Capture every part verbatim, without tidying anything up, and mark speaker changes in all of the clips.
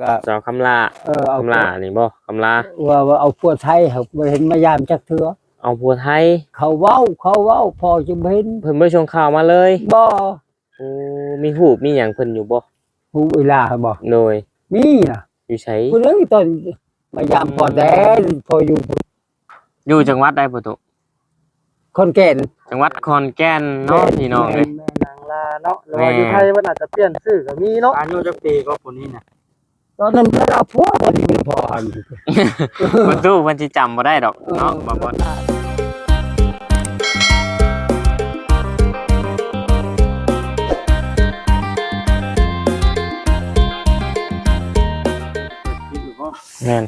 Speaker 1: สาวคำลา
Speaker 2: เออเอา
Speaker 1: คำลานี่บ่คำลา
Speaker 2: ว่าว่าเอาผัวไทยครับบ่เห็นมายามจักเทื่อ
Speaker 1: เอาผัวไทย
Speaker 2: เขาเว้าเขาเว้าพอจะเห็น
Speaker 1: เพิ่นบ่ชงข่าวมาเลย
Speaker 2: บ่
Speaker 1: โอ้มีรูปมีหยังเพิ่นอยู่บ่
Speaker 2: ฮู้เวลาบ่
Speaker 1: โดย
Speaker 2: มีน่ะ
Speaker 1: อยู่ไส
Speaker 2: ผู้เรื่องตอนมายามพอแดนพออยู่
Speaker 1: อยู่จังหวัดใดบ่ตุ
Speaker 2: คนแก่น
Speaker 1: จังหวัดขอนแก่นเนาะพี่น้องเอ้ย
Speaker 3: แม่นางลาเนาะหรือว่าอยู่ไทยมันอาจจะเปลี่ยนชื่อก็มีเนาะอายุจักปีก็คนนี้น่ะ
Speaker 2: ตอนนั้นเวลาผัวตอนนี้เป็นพ่ออัน
Speaker 1: บ่ตู้เพิ่นสิจำบ่ได้ดอกเนาะบ่บ่แม่น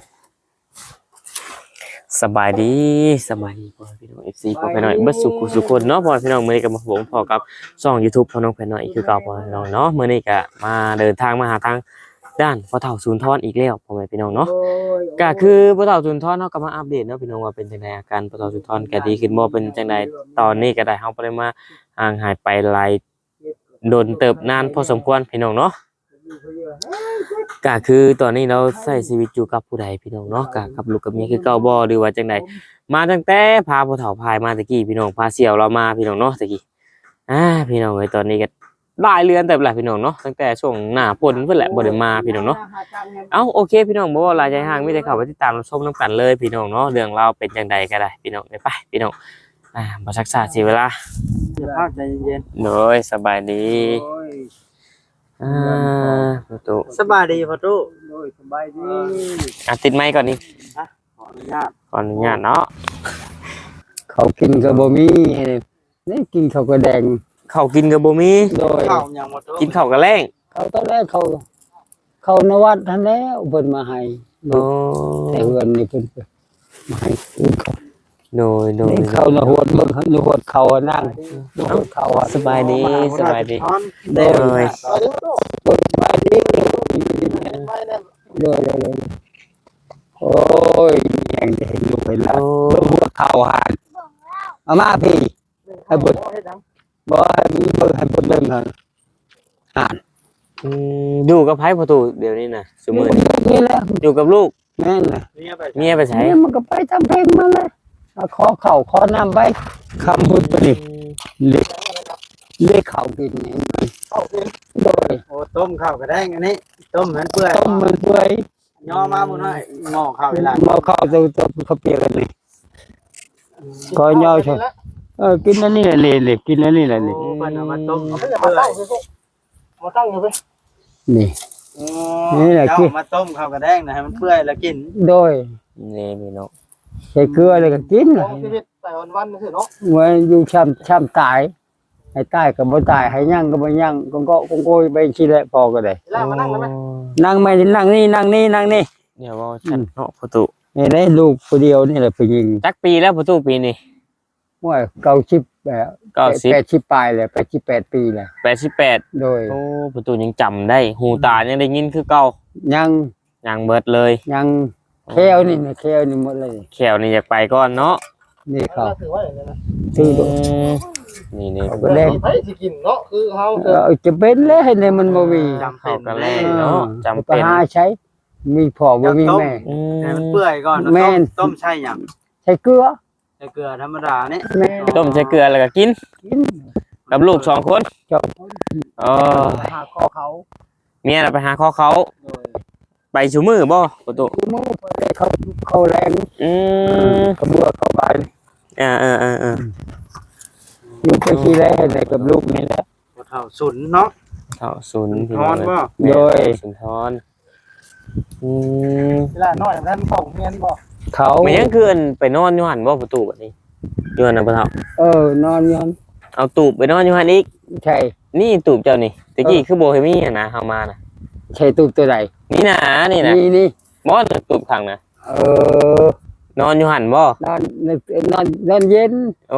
Speaker 1: สบายดีสบายดีพ่อพี่น้อง เอฟ ซี พ่อพี่น้องเบิดสุขสุขคนเนาะพ่อพี่น้องมื้อนี้ก็มาผมพอกับช่อง YouTube พ่อน้องพี่น้องอีกคือเก่าพ่อพี่น้องเนาะมื้อนี้ก็มาเดินทางมาหาทางด้านพ่อเฒ่าสุนทรอีกแล้วพ่อแม่พี่น้องเนาะก็คือพ่อเฒ่าสุนทรเนาะก็มาอัปเดตเนาะพี่น้องว่าเป็นจังไดอาการพ่อเฒ่าสุนทรก็ดีขึ้นบ่เป็นจังไดตอนนี้ก็ได้เฮาบ่ได้มาห่างหายไปหลายโดนเติบนานพอสมควรพี่น้องเนาะก็คือตอนนี้เราใช้ชีวิตอยู่กับผู้ใดพี่น้องเนาะก็กับลูกกับเมียคือเก่าบ่หรือว่าจังไดมาตั้งแต่พาพ่อเฒ่าพายมาตะกี้พี่น้องพาเสี่ยวเรามาพี่น้องเนาะตะกี้อ่าพี่น้องเอ้ยตอนนี้ก็หลายเรือนแต่ละพี่น้องเนาะตั้งแต่ช่วงหน้าฝนเพิ่นแหละบ่ได้มาพี่น้องเนาะเอ้าโอเคพี่น้องบ่ว่าหลายใจห่างมีแต่เข้าไปติดตามรับชมนำกันเลยพี่น้องเนาะเรื่องราวเป็นจังไดก็ได้พี่น้องไปพี่น้องอ่าบ่ซักษาเสียเวลา
Speaker 3: อย่าพากใจเย็น
Speaker 1: โดยสบายดีอ่าประตู
Speaker 3: สบายดีพ่อตู้
Speaker 2: โดยสบายดี
Speaker 1: อ่ะติดไมค์ก่อนนี่
Speaker 3: ขออนุญาต
Speaker 1: ขออนุญาตเนาะ
Speaker 2: เขากินก็บ่มีนี่กินข้าวกระแดง
Speaker 1: ข้าวกินก็บ่มี
Speaker 2: โดย
Speaker 3: ข้าวยังบ่ตู้
Speaker 1: กินข้าวกะแลง
Speaker 2: เขาตอนแรกเขาเขานวัดทันแล้วเพิ่นมาให้
Speaker 1: โอ้
Speaker 2: แต่เฮือนนี่เพิ่นมาให้กินเขา
Speaker 1: โดยโดย
Speaker 2: เขานวดเบิ่งนวดเขานั่งนวดเขา
Speaker 1: สบายดีสบายดี
Speaker 2: โดยสบายดีโดยโดยโอ้ยยังจะเห็นอยู่เวลาเบิ่งหัวเขาหานเอามาพี่ให้เบิ่งบ่ให้เบิ่งให้เบิ่งหั่นอ่าน
Speaker 1: อืมอยู่กับไผประตูเดี๋ยวนี้น่ะซุมื้อ
Speaker 2: นี่แหละ
Speaker 1: อยู่กับลูก
Speaker 2: แม่นน่ะ
Speaker 1: เมียไปไส
Speaker 2: เมียมันก็ไปทำเพลงมาเลยขอข้าวขอน้ำไปคำพูดไปนี่เล็กเล็กข้าวกินนี่ข้าวกินโดย
Speaker 3: โอ้ต้มข้าวกระแดงอันนี้ต้มเหมือนเปื่อย
Speaker 2: ต้มมันเปื่อย
Speaker 3: ย่อมาบ่น้อยงอข้าวเวลา
Speaker 2: หม้อข้าวจะจะเขาเปียกกันนี่ก็ย่อชอบเออกินอันนี้แหละเลยกินอันนี้แหละนี่
Speaker 3: เพิ่นเอามาต้มเปื่อยมาตั้งอยู่เพิ่น
Speaker 2: นี่
Speaker 3: นี่แหละกินมาต้มข้าวกระแดงนะให้มันเปื่อยแล้วกิน
Speaker 2: โดย
Speaker 1: นี่พี่น้อง
Speaker 2: ใส่เกลือเลยก็กิน
Speaker 3: ของชีวิตแต่วันๆซื่อเนาะ
Speaker 2: ไว้อยู่ช้ำช้ำตายให้ตายก็บ่ตายให้ยั่งก็บ่ยั่งก็ก็ก็โกยไปสิแหละพอก็ได้
Speaker 3: ลากมานั่งได้มั้ย
Speaker 2: นั่งไม่นั่งนี่นั่งนี่นั่งนี่
Speaker 1: เนี่ยว่าฉันเนาะประตู
Speaker 2: นี่ได้ลูกผู้เดียวนี่แหละผู้หญิง
Speaker 1: จักปีแล้วประตูปีนี้
Speaker 2: ว่าเก้าสิบแบบเก้าสิบแปดสิบปลายเลยแปดสิบแปดปีแหละ
Speaker 1: แปดสิบแปด
Speaker 2: โดย
Speaker 1: โอ้ประตูยังจำได้หูตายังได้ยินคือเก่า
Speaker 2: ยัง
Speaker 1: ยังเบิดเลย
Speaker 2: ยังแควนี่นะแควนี่หมดเลย
Speaker 1: แควนี่อยากไปก่อนเนาะ
Speaker 2: นี่เขา
Speaker 3: ถือว่าอย่างนี้นะ
Speaker 2: ถือ
Speaker 1: นี่นี่
Speaker 2: ก็แรง
Speaker 3: ไปสิกินเนาะคือเฮา
Speaker 2: จะเป็นแล้วให้ในมันบ่มี
Speaker 1: จำเป็นก็แรงเนาะจำเป็น
Speaker 2: หาใช้มีพ่อบ่มีแม่
Speaker 3: ให้มันเปื่อยก่อนต้มต้มใช่หยัง
Speaker 2: ใช้เกลือ
Speaker 3: ใช้เกลือธรรมดานี่
Speaker 1: ต้มใช้เกลือแล้วก็กิน
Speaker 2: กิน
Speaker 1: กับลูกสองคน
Speaker 2: สองคน
Speaker 1: อ๋อ
Speaker 2: หาคอเขา
Speaker 1: เมียน่ะไปหาคอเขาไปชูมือบ่ประตู
Speaker 2: ชูมือไปเขาเขาแรง
Speaker 1: อืม
Speaker 2: กับบัวเขาไป
Speaker 1: อ่าอ่าอ่าอ่า
Speaker 2: อยู่ไปที่แรกเลยกับลูกนี่แหละ
Speaker 3: เฒ่าสุนเนาะ
Speaker 1: เฒ่าสุน
Speaker 3: พี่น้องบ่
Speaker 2: โดย
Speaker 1: สุนทรอืม
Speaker 3: เวลาน้อยนั้นของเมียนบ่
Speaker 2: เขา
Speaker 1: ไม่ยังคือไปนอนอยู่หั่นบ่ประตูบัดนี้อยู่หั่นน่ะบ่เฒ่า
Speaker 2: เออนอนอยู่หั่น
Speaker 1: เอาตูบไปนอนอยู่หั่นอีก
Speaker 2: ใช่
Speaker 1: นี่ตูบเจ้านี่ตะกี้คือบ่ให้มีอ่ะนะเฮามาน่ะ
Speaker 2: ใช่ตูบตัวใด
Speaker 1: นี่นะนี่นะ
Speaker 2: นี่นี่
Speaker 1: บ่ตูบข้างน่ะ
Speaker 2: เออน
Speaker 1: อนอยู่หั่นบ่
Speaker 2: นอนนอนนอนเย็น
Speaker 1: โอ้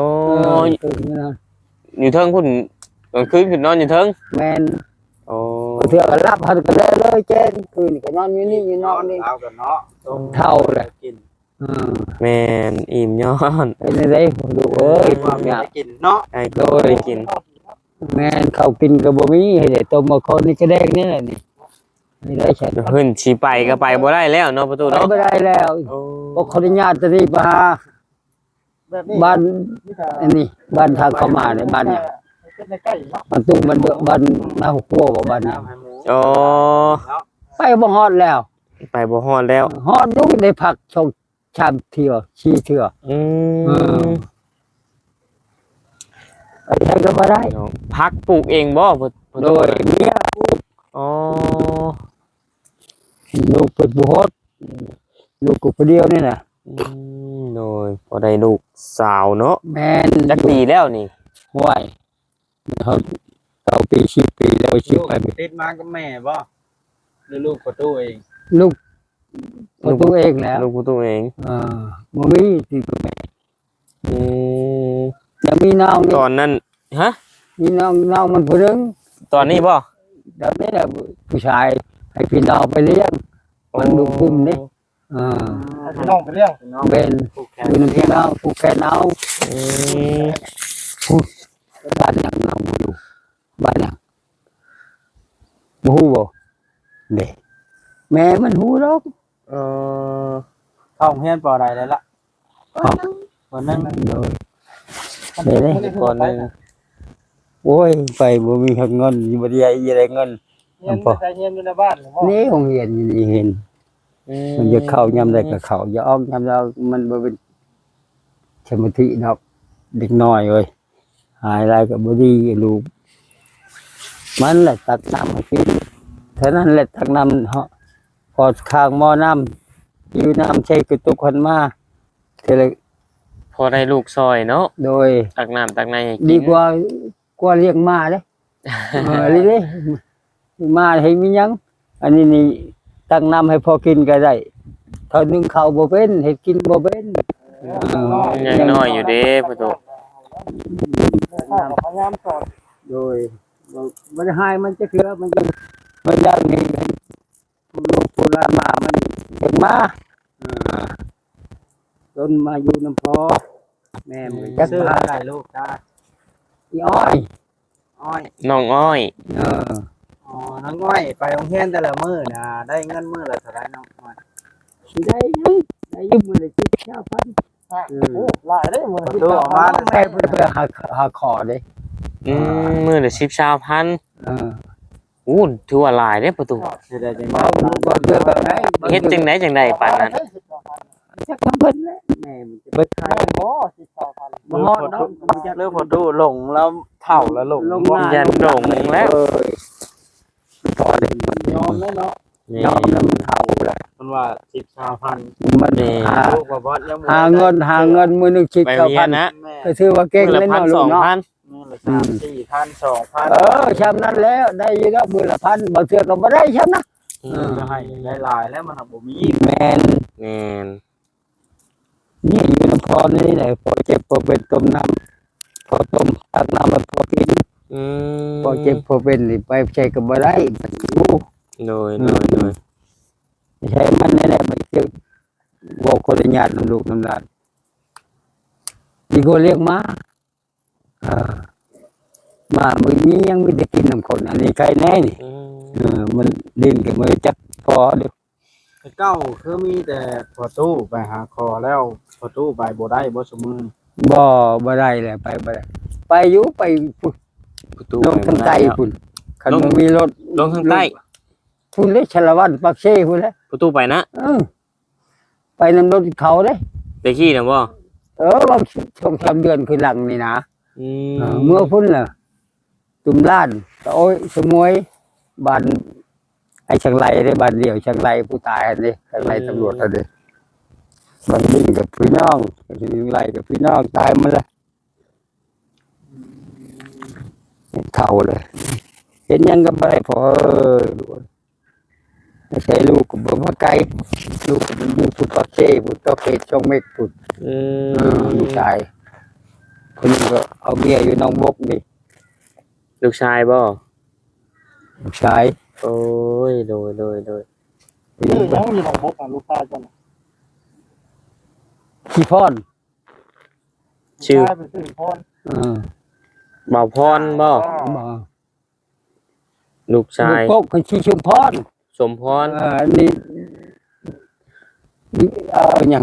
Speaker 1: อยู่เทิงพุ่นกลางคืนขึ้นนอนอยู่เทิง
Speaker 2: แม่น
Speaker 1: โอ้
Speaker 2: เถื่อก็รับหันก็ได้เลยเจนคืนก็นอนอยู่นี่อยู่นอนนี่
Speaker 3: เอากันเนาะ
Speaker 2: เท่าเลย
Speaker 3: กิน
Speaker 1: แม่นอิ่มย้อน
Speaker 2: เป็นได้ดูเอ้ยความอยาก
Speaker 3: กินเนาะ
Speaker 1: ไอ้โตได้กิน
Speaker 2: แม่นเขากินก็บ่มีให้ได้ต้มมาคนนี่ก็แดงนี่แหละนี่ไม่ได้ใช่
Speaker 1: เพิ่นสิไปก็ไปบ่ได้แล้วเนาะประตู
Speaker 2: ไป
Speaker 1: เนาะ
Speaker 2: ไม่ได้แล้ว
Speaker 1: โอ้
Speaker 2: ก็ขออนุญาตจะรีบมา
Speaker 3: แบบนี้
Speaker 2: บ้านอันนี้บ้านทางเข้ามาเนี่ยบ้านเนี่ย
Speaker 3: เป็นใกล้ๆเนาะ
Speaker 2: มันตุ้งมันบ้านนาหัวโป้บ่บ้านเนี่ย
Speaker 1: โอ้
Speaker 2: ไปบ่ฮอดแล้ว
Speaker 1: ไปบ่ฮอดแล้ว
Speaker 2: ฮอดลูกได้พักชงชามเที่ยวชีเที่ยว
Speaker 1: อืม
Speaker 2: ไปใช้ก็บ่ได้
Speaker 1: พักปลูกเองบ่ประประ
Speaker 2: โด
Speaker 1: ตู
Speaker 2: ยเมีย
Speaker 1: อ๋อ
Speaker 2: ลูกเป็นผู้ฮอดลูกกูคนเดียวนี่น่ะ
Speaker 1: อืมโดยพอได้ลูกสาวเนาะ
Speaker 2: แม่น
Speaker 1: จักปีแล้วนี่
Speaker 2: ห้วยเขาเก้าปีสิบปีแล้วสิบไป
Speaker 3: ติดมากับแม่บ่หรือลูกประตูเอง
Speaker 2: ลูกประตูเองแล้ว
Speaker 1: ลูกประตูเอง
Speaker 2: อ่าบ่มีที่กับแม่
Speaker 1: อืม
Speaker 2: ยังมีน้อง
Speaker 1: ตอนนั้นฮะ
Speaker 2: มีน้องน้องมันผู้หนึง
Speaker 1: ตอนนี้บ่
Speaker 2: เดี๋ยวนี้แหละผู้ชายให้พี่น้องไปเลี้ยงมันดูกลุ่มนี่อ่า
Speaker 3: พี่น้องไปเลี้ยง
Speaker 2: เป็น
Speaker 3: ผูกแขน
Speaker 2: อยู่ในพี่น้องผู้แค่เอา
Speaker 1: อืม
Speaker 2: ผู้บ้านหนังเราอยู่บ้านหนังบ่ฮู้บ่เด้แม่มันฮู้หรอก
Speaker 1: เออ
Speaker 3: เข้าโรงเรียนปอใดแล้วล่ะ
Speaker 2: ครับ
Speaker 3: คนนึง
Speaker 2: โดยเด้เด้
Speaker 1: ก่อนหนึง
Speaker 2: โอ้ยไปบ่มีเงินบ่ได้ได้เงิน
Speaker 3: เรียนไปเรียนอยู่ในบ้านหรือบ่
Speaker 2: นี่โรงเรียนอยู่นี่เห็น มันจะเข้ายามใดก็เข้าอย่าออกยามเรามันบ่เป็นสมาธิดอกเด็กน้อยเอ้ยหายอะไรก็บ่ดีลูกมันแหละตักน้ำให้กินเท่านั้นแหละตักน้ำเฮาะพอข้างหม้อน้ำอยู่น้ำใช้กระตุกคนมาเท่าไร
Speaker 1: พอได้ลูกซอยเนาะ
Speaker 2: โดย
Speaker 1: ตักน้ำตักในให้กิน
Speaker 2: ดีกว่ากว่าเลี้ยงม้าเด้ เออเลยเด้ม้าให้มีหยังอันนี้นี่ตักน้ำให้พอกินก็ได้เท่านึงข้าวบ่เป็นเฮ็ดกินบ่เป็นเออ
Speaker 1: ยังน้อยอยู่เด้ประตู
Speaker 3: พยายามสอน
Speaker 2: โดยบ่ได้หายมันจะเคือมันจะมันอย่างนี้ลูกโบราณมามันเด็กมาอ่าจนมาอยู่น้ำพอแม่มันจัก
Speaker 3: ชื่อ
Speaker 2: มา
Speaker 3: อะไรลูกจ้า
Speaker 2: อีอ้อย
Speaker 3: อ้อย
Speaker 1: น้องอ้อย
Speaker 2: เออ
Speaker 3: อ๋อน้องอ้อยไปโรงเรียนแต่ละมื้อน่ะได้เงินมื้อละเท่าไหร่น้องอ้อย
Speaker 2: สิได้ยังได้อยืมมือเลยที่เช้าพัน
Speaker 3: โอ้หลายได้มื้อ
Speaker 2: ตัวออกมาแค่เพื่อเพื่อหาหาขอเด้
Speaker 1: อืมมื้อละสิบชาวพัน
Speaker 2: เออ
Speaker 1: อู้ถือว่าหลายเด้ประตู
Speaker 3: สิได้จัง
Speaker 2: บ่บ่เพื่อแบบไหน
Speaker 1: เฮ็ดจังไดจังไดปานนั้น
Speaker 2: จักทำเพิ่นแหละแม่มันจะเบิดขาย
Speaker 3: บ่สิบสองพัน
Speaker 2: บ่ฮอดเนาะ
Speaker 3: เรื่องพอดูหลงแล้วเฒ่าแล้วหลง
Speaker 2: ลง
Speaker 1: บ่ยันโด่งแล้ว
Speaker 2: เออพอได้มัน
Speaker 3: ยอมแล้วเนาะ
Speaker 1: นี่
Speaker 2: ยอมแล้วมันเท่าแล้ว
Speaker 3: มันว่าสิบสองพัน
Speaker 2: มัน
Speaker 1: นี่
Speaker 2: หา
Speaker 3: ลูกบ่บ่ยังบ่
Speaker 2: หาเงินหาเงินมือหนึงสิบ
Speaker 1: ไป
Speaker 2: เก้า
Speaker 1: เรีย
Speaker 2: พั
Speaker 1: น
Speaker 2: น
Speaker 1: นะ
Speaker 3: แม่
Speaker 2: ก็ถือว่าเก่ง
Speaker 1: มื้อ
Speaker 2: เล
Speaker 1: ละ
Speaker 2: ย
Speaker 1: พัน
Speaker 2: เนาะ
Speaker 1: ส
Speaker 2: ลู
Speaker 1: อก ง
Speaker 2: เนาะ
Speaker 1: พัน
Speaker 3: มื้อละสามสี่พันสองพัน
Speaker 2: เออชำนั้นแล้วได้อยู่แล้วมือละพันบางเทื่อก็บ่ได้ชำนะ
Speaker 1: อื
Speaker 3: เออ
Speaker 1: ม
Speaker 3: จะให้หลายๆแล้วมันบ่มี
Speaker 2: แม่น
Speaker 1: แม่น
Speaker 2: นี่อยู่น้ำพอนี่แหละพอเจ็บพอเป็นต้มน้ำพอต้มตักน้ำมันพอกิน
Speaker 1: อืม
Speaker 2: พอเจ็บพอเป็นนี่ไปใช้ก็บ่ได้มันรู้
Speaker 1: โดยโดยโดย
Speaker 2: ใช้มันนี่แหละมันจะบอกคนละญาติน้ำลูกน้ำหลานมีคนเรียกมาอ่ามามือนี้ยังไม่ได้กินน้ำคนอันนี้ใครแน่นี่
Speaker 1: อืม
Speaker 2: เออมันดินกับมือจักพอเดี๋ยว
Speaker 3: เก้าคือมีแต่พอตู้ไปหาคอแล้วพอตู้ไปบ่ได้บ่สมือ
Speaker 2: บ่บ่ได้แหละไปบ่ได้ไปอยู่ไปพุ่น
Speaker 1: ประตู
Speaker 2: ลง
Speaker 1: ไป
Speaker 2: ทาง
Speaker 1: บ่
Speaker 2: ใต้
Speaker 1: ได้แล้ว
Speaker 2: พุ่นคัน
Speaker 1: ลง
Speaker 2: บ่มีรถ
Speaker 1: ลงทางใต้
Speaker 2: พุ่นเลยชลวันปักเซ่พุ่นแหล้ว
Speaker 1: ประตูไปนะ
Speaker 2: เออไปนำรถเขาเด้
Speaker 1: ไปขี้นะบ่
Speaker 2: เออว่าช่วงสามเดือนคือหลังนี่นะ
Speaker 1: อื
Speaker 2: เออ
Speaker 1: ม
Speaker 2: เมื่อพุ่นน่ะตุ่มล้านตะโอ้ยสมวยบ้านไอ้ช่างไรได้บ้านเดียวช่างไรผู้ตายอันนี้ช่างไรตำรวจอันนี้บ้านนี้กับพี่น้องช่างไรกับพี่น้องตายหมาละเท่าเลยเห็นยังกับอะไรพอเออไม่ใช่ลูกกับบ่มาไกลลูกกับมันอยู่ผู้ต่อเช่ผู้ต่อเพชรช่องเมฆผู้
Speaker 1: อื
Speaker 2: เออ
Speaker 1: ม
Speaker 2: ลูกชายคนนึงก็เอาเมียอยู่หน้องบกนี่
Speaker 1: ลูกชายบ่
Speaker 2: ลูกชาย
Speaker 1: โอ้ยโดยโดยโดย
Speaker 3: นี่ยังมีของบกอ่ะลูกชายจัง
Speaker 2: ขี้พอน
Speaker 1: ชื่อ
Speaker 3: ชายเป็นชื่อพร
Speaker 2: เออ
Speaker 1: บ่าวพรบ่
Speaker 2: มา
Speaker 1: ลูกชาย
Speaker 2: ลูกกกคนชี้ชุมพร
Speaker 1: สมพร
Speaker 2: เอออันนี้เอออย่าง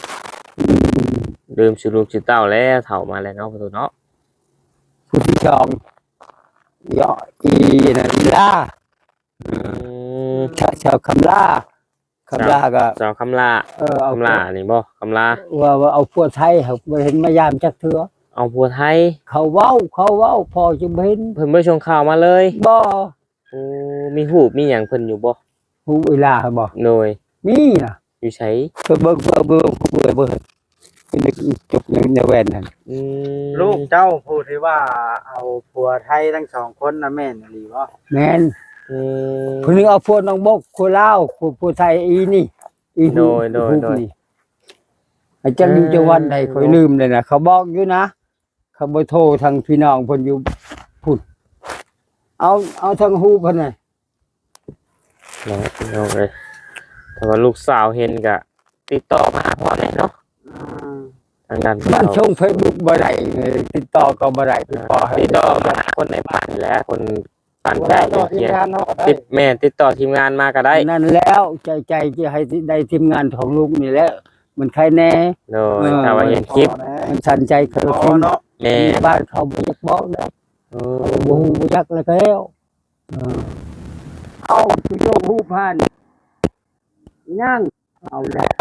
Speaker 1: ลืมชื่อลูกชื่อเต้าแล้วเฒ่ามาแล้วเนาะประตูเนาะ
Speaker 2: ผู้ที่ชองย่ออีนะอีล่า
Speaker 1: อืม
Speaker 2: ชาวชาวคำล่าคำล่าก็
Speaker 1: สาวคำลา
Speaker 2: เออเอา
Speaker 1: คำลานี่บ่คำลา
Speaker 2: ว่าว่าเอาพวกไทยเขาไปเห็นมายามจักเถือ
Speaker 1: เอาผัวไทย
Speaker 2: เขาเว้าเขาเว้าพอจะเห็น
Speaker 1: เพิ่นบ่ชงข่าวมาเลย
Speaker 2: บ่
Speaker 1: โอ้มีหูปมีหยังเพิ่นอยู่บ่
Speaker 2: ผู้เวลาบ่
Speaker 1: โดย
Speaker 2: มีน่ะ
Speaker 1: อยู่ไส
Speaker 2: เบิ่งเบิ่งเบิ่งเบิ่งเบิ่งเบิ่งเป็นจบในแว่นนั่น
Speaker 1: อืม
Speaker 3: ลูกเจ้าพูดที่ว่าเอาผัวไทยทั้งสองคนนะแม่นหรือว่า
Speaker 2: แม่น
Speaker 1: อืม
Speaker 2: ผู้นึงเอาพวกน้องบกผู้ลาวผู้ผู้ไทยอีนี่อีหู
Speaker 1: โดยโดย
Speaker 2: หู
Speaker 1: โดย
Speaker 2: นี่อาจารย์อยู่จังหวัดใดค่อยลืมเลยนะเขาบอกอยู่นะเขาบ่โทรทางพี่น้องเพิ่นอยู่พุ่นเอาเอาทางฮู้เพิ่นน่ะ
Speaker 1: เนาะเอาเลยแต่ว่าลูกสาวเห็นก็ติดต่อมาหาพ่อแน่เนาะทางด้าน
Speaker 2: มัน
Speaker 1: เรา
Speaker 2: ช่อง Facebook บ่ได้เออติดต่อก็บ่ได้ติดต่อให้
Speaker 1: ติดต่อมาหาคนในบ้านนี่แหละคนบ้าน
Speaker 3: เว
Speaker 1: ใกล้
Speaker 3: ลาต่อ
Speaker 1: เคี
Speaker 3: ทีม
Speaker 1: ยง
Speaker 3: งานเนาะ
Speaker 1: ติดแม่ติดต่อทีมงานมาก็ได้
Speaker 2: นั่นแล้วใจใจจะให้ได้ทีมงานของลูกนี่แหละมันใครแน่
Speaker 1: โดยถ้าว่าเห็นคลิป
Speaker 2: มันสั่นใจเขา
Speaker 3: พ
Speaker 2: ที
Speaker 3: อ
Speaker 2: ม
Speaker 3: เนาะ
Speaker 1: แม่
Speaker 2: บ้านเขาบ่จักบอกได้
Speaker 1: โอ้
Speaker 2: บ่ฮู้บ่จักแล้วแล้วเออเอาสิโยกฮู้ผ่านย่างเอาแล้ว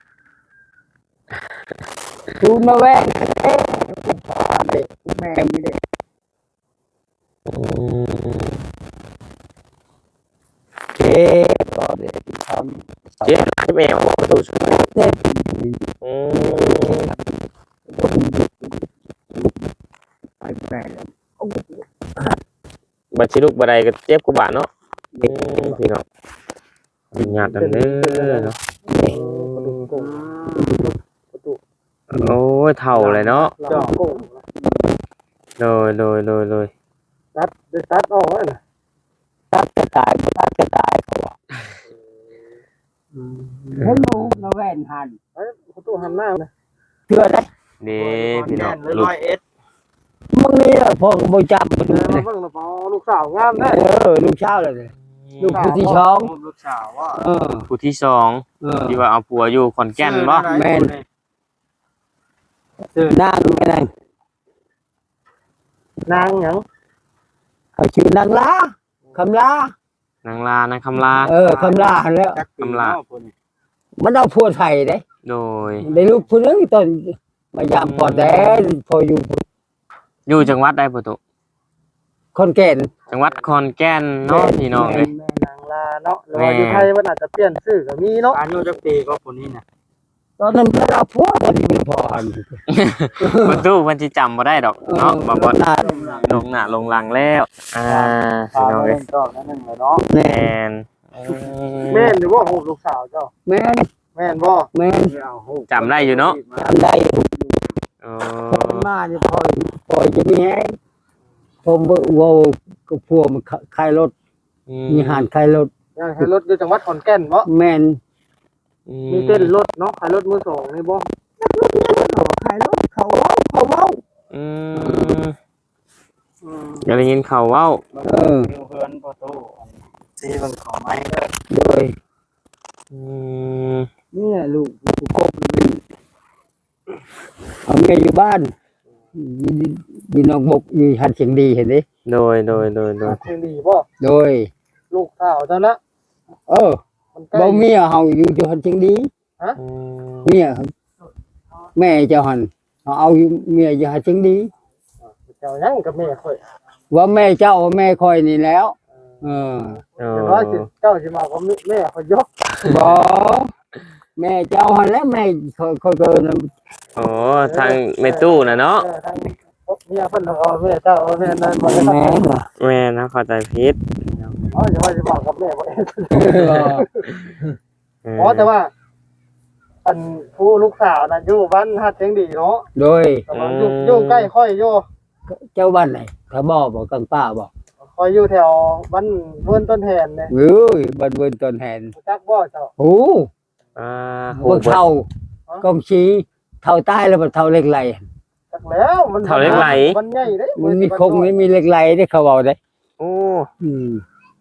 Speaker 2: ดูมาแว่งเอ๊ะพ่อเด็กแม่ไม่ได้
Speaker 1: อืม
Speaker 2: เจ๊ก็ได้ทำ
Speaker 1: เจ๊แม่บอกประตูช่วย
Speaker 2: เต้น
Speaker 1: อืม
Speaker 2: ไปแม่แล้ว
Speaker 1: บัดชิลุกบัดใดก็เจ็บกว่าบาดเนาะอืมพี่น้องเป็นญาติกันเด้อเนาะโอ้ยเฒ่าเลยเนาะ
Speaker 3: จอกกุ้ง
Speaker 1: โดยโดยโดยโดย
Speaker 3: ตัดได้ตัดออกแล้วนะ
Speaker 2: ตัดจะตายตัดจะตายเขาว่าเห็นหนูมาแว่นหัน
Speaker 3: เอ้ยประตูหันหน้านะ
Speaker 2: เชื่อได้
Speaker 1: นี่พี่น้อง
Speaker 3: เลย
Speaker 1: ลูก
Speaker 3: ร้อยเอ็ด
Speaker 2: มึงนี่ล่ะพ่อก็บ่จำมัน
Speaker 3: เออ
Speaker 2: เลย
Speaker 3: เบิ่งแล้วพอลูกสาวงามได้
Speaker 2: เออลูกเช้าเลย ลูกผู้ที่สอง
Speaker 3: ลูกสาวว่า
Speaker 2: เออ
Speaker 1: ผู้ที่สอง
Speaker 2: เออ
Speaker 1: ที่ว่าเอาผัวอยู่ขอนแก่นบ่
Speaker 2: แม่น
Speaker 3: ชื่อน
Speaker 2: างแม่นาง
Speaker 3: นางหยัง
Speaker 2: เขาชื่อนางลาคำลาน
Speaker 1: างลานางคำลา
Speaker 2: เออคำลาหั่นแล้ว
Speaker 3: จักปี
Speaker 1: กำลา
Speaker 3: เนาะพุ่น
Speaker 2: มันเอาผัวไทยเด้
Speaker 1: โดย
Speaker 2: ได้ลูกผู้หนึงตอนมายามพอแต่พออยู่
Speaker 1: อยู่จังหวัดใดประตู
Speaker 2: คนแก่น
Speaker 1: จังหวัดขอนแก่นเนาะพี่น้องเอ้ย
Speaker 3: แม่นางลาเนาะหรือว่าอยู่ไทยมันอาจจะเปลี่ยนชื่อก็มีเนาะอายุจักปีก็คนนี้น่ะ
Speaker 2: ตอนนั้นมันเอาผัวตอนนี้เป็นพ่ออัน
Speaker 1: ประตูมันสิจำบ่ได้ดอกเนาะบ่บ่
Speaker 2: นาน
Speaker 1: ลงหน้าลงหลังแล้ว อ่า
Speaker 3: พา
Speaker 1: พี่น้อง
Speaker 3: มา
Speaker 1: เอ้
Speaker 3: เล่
Speaker 1: ย
Speaker 3: นก็นั่นหนึงเลยเนาะ
Speaker 1: แมน
Speaker 3: แม่นหรือว่าโหลูกสาวเจ้า
Speaker 2: แม่น
Speaker 3: แม่นบ่
Speaker 2: แม่น
Speaker 3: เอาโห
Speaker 1: จำได้อยู่เนาะ
Speaker 2: จำได้
Speaker 1: อ๋อ
Speaker 2: พอมาเนี่ยพอพอจะมีแห้งผมว่าก็พวกมันขายรถมีหานขายรถ
Speaker 3: อยากให้รถอยู่จังหวัดขอนแก่นบ่
Speaker 2: แม่น
Speaker 3: มีเต้นรถเนาะขายรถมือสองนี่บ่
Speaker 2: ขายรถเขาเว้าเขาเว้า
Speaker 1: อืมอย่าได้ยินเขาเว้า
Speaker 2: เออ
Speaker 3: เพื่อนประตูซีเบิ่งเขาไม้เด้อ
Speaker 2: โดย
Speaker 1: อืม
Speaker 2: นี่แหละลูกลูกกบเอาเมียอยู่บ้านยีน้องบกอยู่หันเสียงดีเห็นดิ
Speaker 1: โดยโดยโดยโดย
Speaker 3: เสียงดีบ่
Speaker 2: โดย
Speaker 3: ลูกสาวเจ้านะ
Speaker 2: เออ
Speaker 3: มันใกล้
Speaker 2: บ่เมียเฮาอยู่ที่หันเสียงดี
Speaker 1: อืม
Speaker 2: เมียแม่เจ้าหันเขาเอาอยู่เมียอยู่หันเสียงดี
Speaker 3: เจ้ายังกับแม่ข่อย
Speaker 2: ว่าแม่เจ้าแม่คอยนี่แล้ว เออ
Speaker 1: อ๋
Speaker 3: อย่างน้อยสิ
Speaker 1: อ
Speaker 3: เจ้าสิมากับแม่ข่อยยก
Speaker 2: บ่แม่เจ้าหันแล้วแม่คอยคอยเกิน
Speaker 1: อ๋อทางแม่ตู้น่ะเนาะ
Speaker 3: เออทางเมียเพิ่นเอาแม่เจ้าเอาแม่นั่นบ่ได้
Speaker 2: แม่น่ะ
Speaker 1: แม่นะเข้าใจผิด
Speaker 3: อ๋ออย่าว่าสิมากับแม่บ่ได้
Speaker 1: เออ
Speaker 3: อ๋อแต่ว่า อันผู้ลูกสาวน่ะอยู่บ้านฮัดเสียงดีเนาะ
Speaker 2: โดย
Speaker 3: แต่ว่าอยู่อยู่ใกล้ค่อยอยู่
Speaker 2: เจ้าบ้านไหนถ้าบ่บ่กังป้าบ่
Speaker 3: คอยอยู่แถวบ้านเวิร์นต้นแทนเนี่ย
Speaker 2: เอ้ยบ้านเวินต้นแหน
Speaker 3: รู้จักบ่เจ้า
Speaker 2: โอ้
Speaker 1: อ่าโห
Speaker 2: พวกเท่ากองชี้เท่าใต้แล้วบ่เท่าเล็กไหล
Speaker 3: จักแล้วมัน
Speaker 1: เท่าเล็กไหล
Speaker 3: มันใหญ่เด้
Speaker 2: มันมีคงไม่มีเล็กไหลได้เขาเว้าได้
Speaker 1: โอ้
Speaker 2: อืม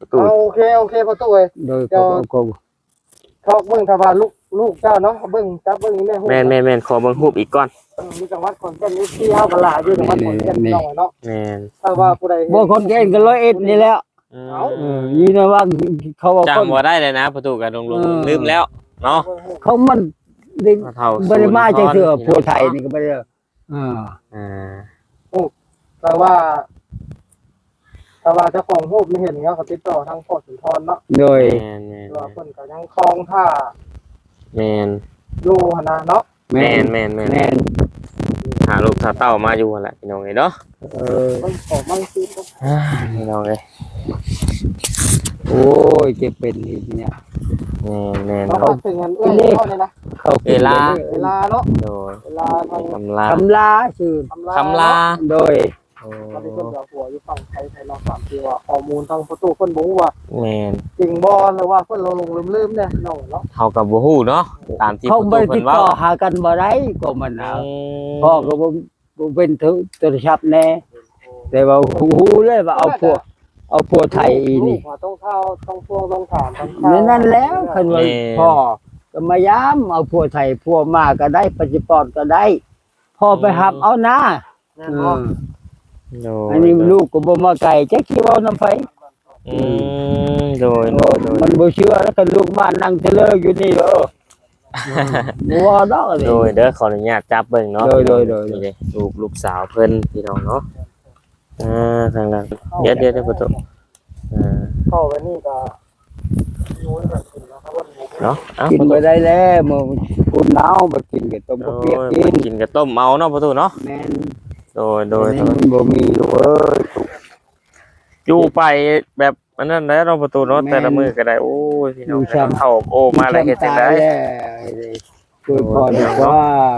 Speaker 1: ประตู
Speaker 3: เอาโอเคโอเคประตูเอ้ย
Speaker 2: โดยก็ก็
Speaker 3: ทอกเบิ่งถ้าว่าลูกลูกเจ้าเนาะเบิ่งจับเบิ่งนี่แม่ฮู้
Speaker 1: แม่นแม่นแม่นขอเบิ่งรูปอีกก่อน
Speaker 3: มีจังหวัดขอนแก่นนี่ที่เฮาก็หลายอยู่จังหวัดขอนแก่นน้องเนาะ
Speaker 1: แม่น
Speaker 3: ถ้าว่าผู้ใด
Speaker 2: บ่คนเก่งก็ร้อยเอ็ดนี่แล้ว
Speaker 1: อืม
Speaker 2: เอออยู่นะว่าเขาว่าคน
Speaker 1: จำบ่ได้เลยนะประตูก็ลง
Speaker 2: เออ
Speaker 1: ๆลืมแล้วเนาะ
Speaker 2: เขามันได้
Speaker 1: เท่า
Speaker 2: บ่ได้มาจังเทื่อ
Speaker 1: ศูนย์
Speaker 2: ผู้ไทยนี่ก็บ่ได้เออ
Speaker 1: อ่า
Speaker 3: แต่ว่าแต่ว่าเจ้าของรูปไม่เห็นเนาะก็ติดต่อทางพ่อสุนทรเนาะ
Speaker 2: โดย
Speaker 1: แม่นแม่น
Speaker 3: ว่าเพิ่นก็ยังคลองท่า
Speaker 1: แม่น
Speaker 3: อยู่หั่นน่ะเนาะ
Speaker 2: แม่
Speaker 1: แม่น
Speaker 2: น
Speaker 1: แม่นแม่น
Speaker 2: แม่น
Speaker 1: หาลูกหาเต้ามาอยู่หั่นแหละพี่น้องเอ้ยเนาะ
Speaker 2: เออ
Speaker 3: เพิ่นขอมั่งซื้อก็
Speaker 1: อ่าพี่น้องเอ้ย
Speaker 2: โอ้ยเจ็บเป็นอีกเนี่ย
Speaker 1: แม่นแม่น
Speaker 3: เรา
Speaker 1: เนาะ
Speaker 3: ถึงเงินเอื้อยเท่านี้นะ
Speaker 2: เขา
Speaker 1: เวลา
Speaker 3: เวลาเนาะ
Speaker 1: โดย
Speaker 3: เวลาทาง
Speaker 1: คำลา
Speaker 2: คำลาชื่อ
Speaker 3: ทำลา
Speaker 1: คำลา
Speaker 2: โดย
Speaker 1: โอ้
Speaker 3: ตอนนี้เพิ่นก็หัวอยู่ฝั่งไทยไทยเราสามที่ว่าข้อมูลทางประตูเพิ่นบ่ฮู้ว่า
Speaker 1: แม่น
Speaker 3: จริงบ่หรือว่าเพิ่นลงลืมๆเนี่ยน้องเนาะ
Speaker 1: เฮากับบ่ฮู้เนาะตามที่
Speaker 2: เขา
Speaker 1: ประตู
Speaker 2: บ่ได้
Speaker 1: เพิ่
Speaker 2: ติ
Speaker 1: น
Speaker 2: ด
Speaker 1: เว้า
Speaker 2: ต่อหากันบ่ได้ก็มันเอา
Speaker 1: อืม
Speaker 2: พ่อก็บ่บ่เป็นโทรศัพท์แน่แต่ว่าฮู้เลยว่าเอาพวกเอาพวกไทยอีนี่
Speaker 3: ลูกว่าต้องเข้าต้องพวงต้องถามต้อง
Speaker 2: นั่นนั่นแล้วคันว่าพ่อก็มายามเอาพวกไทยพวกมาก็ได้ปัจจุบันก็ได้พ่อไปหับเอานะ
Speaker 3: นั่
Speaker 2: เอน
Speaker 3: บ่
Speaker 2: อ
Speaker 1: โดย
Speaker 2: อันนี้ลูกก็บ่มาไกลจักสิเว้านำไผ
Speaker 1: อืมโดยโดยโดย
Speaker 2: มันบ่เชื่อแล้วก็ลูกบ้านนั่งเทเลอร์อยู่นี่เด้อบ่ว่าดอกนี่
Speaker 1: โดยเด้อขออนุญาตจับเบิ่งเนาะ
Speaker 2: โดยโดยโดย
Speaker 1: นี่เด้ลูกลูกสาวเพิ่นพี่น้องเนาะอ่าทางนั้นเดี๋ยวเดี๋ยวเดี๋ยวประตูอ่า
Speaker 3: เข้าไปนี่ก็รู้แบบกินนะครับว่า
Speaker 1: เนาะเอ้า
Speaker 2: กิน
Speaker 1: ประตู
Speaker 2: บ่ได้แล้วมื้อคุณหนาวบ่กินก็ต้ม
Speaker 1: โอ้
Speaker 2: บ่เปียก
Speaker 1: ย
Speaker 2: กิน
Speaker 1: กินกับต้มเมาเนาะประตูเนาะ
Speaker 2: แม่น
Speaker 1: โดยโดย
Speaker 2: โด
Speaker 1: โด
Speaker 2: ย
Speaker 1: ย
Speaker 2: มันบ่มีลูกเอ้ย
Speaker 1: อยู่ไปแบบอันนั้นแล้วเนาะประตูเนาะแต่ละมื้อก็ได้โอ้ยพี่น้องเข้าโอ้มาแล้วเฮ็ดจังได๋
Speaker 2: ช่วยพ่อดีกว่า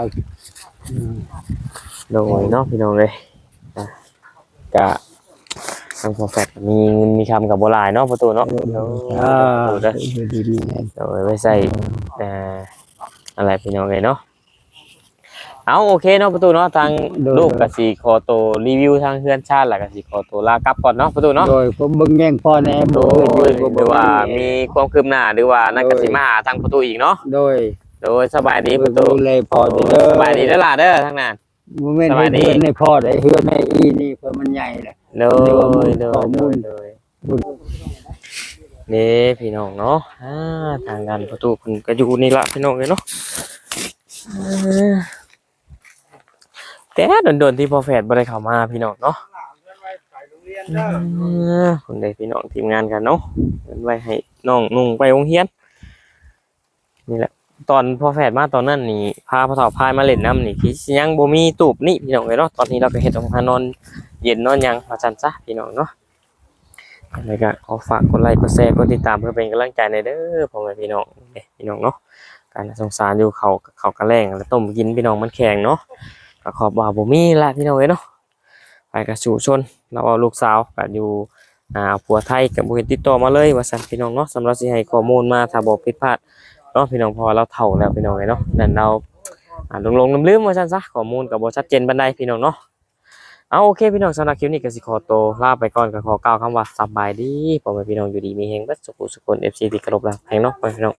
Speaker 1: โดยเนาะพี่น้องเลยอ่ะกะทางพอแฟตมีเงินมีคำกับโบราณเนาะประตูเนาะ
Speaker 2: อ่า
Speaker 1: ดูเด้อ
Speaker 2: ดีดี
Speaker 1: โดยไว้ใส่เอ่ออะไรพี่น้องเลยเนาะเอาโอเคเนาะประตูเนาะทางลูกกับสีคอโตรีวิวทางเฮือนชาติแหละกับสีคอโตลากลับก่อนเนาะประตูเนาะ
Speaker 2: โดยผมเบิ่งแย่งพ่อแน่
Speaker 1: โด
Speaker 2: บ่
Speaker 1: ยหรือว่ามีความคืบหน้าหรือว่านักกสิมาหาทางประตูอีกเนาะ
Speaker 2: โดย
Speaker 1: โดยสบายดีประตู
Speaker 2: ดูแลพ่อเด้อ
Speaker 1: สบายดีแล้วล่ะเด้อทางนั้น
Speaker 2: บ่แม่นให้เพื่อนให้พ่อได้เฮือนให้อีนี่เพิ่นมันใหญ่แหละ
Speaker 1: โดยโด
Speaker 2: ข้อย มู
Speaker 1: โด
Speaker 2: ล
Speaker 1: ยโดยนี่พี่น้องเนาะอ่าทางด้านประตูเพิ่นก็อยู่นี่ละพี่น้องเลยเนาะอ่าแต่โดนๆที่พอแฟดบ่ได้เข้ามาพี่น้องเนาะอ่าคนใดพี่น้องทีมงานกันเนาะเงินไว้ให้น้องนุ่งไปโรงเรียนนี่แหละตอนพอแฟดมาตอนนั้นนี่พาพ่อเฒ่าพายมาเล่นน้ำนี่คือสิยังบ่มีตูบนี่พี่น้องเลยเนาะตอนนี้เราก็เฮ็ดออกมานอนเย็นนอนหยังว่าซั่นซะพี่น้องเนาะ แล้วก็ขอฝากกดไลค์กดแชร์กดติดตามเพื่อเป็นกำลังใจในเด้อพ่อแม่พี่น้องเด้พี่น้องเนาะการสงสารอยู่เขาเขากระแรงแล้วต้มกินพี่น้องมันแข็งเนาะก็ขอบว่าบ่มีละพี่น้องเอ้ยเนาะไปกับสู่ชนเราเอาลูกสาวก็อยู่อ่าผัวไทยกับบ่เห็นติดต่อมาเลยว่าซั่นพี่น้องเนาะสำหรับสิให้ข้อมูลมาถ้าบ่ผิดพลาดเนาะพี่น้องเพอเราเฒ่าแล้วพี่น้องเอ้ยเนาะนั่นเราอ่าลงๆลืมๆว่าซั่นซะข้อมูลก็บ่ชัดเจนปานใดพี่น้องเนาะ เอาโอเคพี่น้องสำหรับคลิปนี้ก็สิขอตัวลาไปก่อนก็ขอกล่าวคำว่าสบายดีพ่อแม่พี่น้องอยู่ดีมีแฮงเบิดสุขสุขคน เอฟ ซี ที่เคารพรักแฮงเนาะพ่อแม่พี่น้อง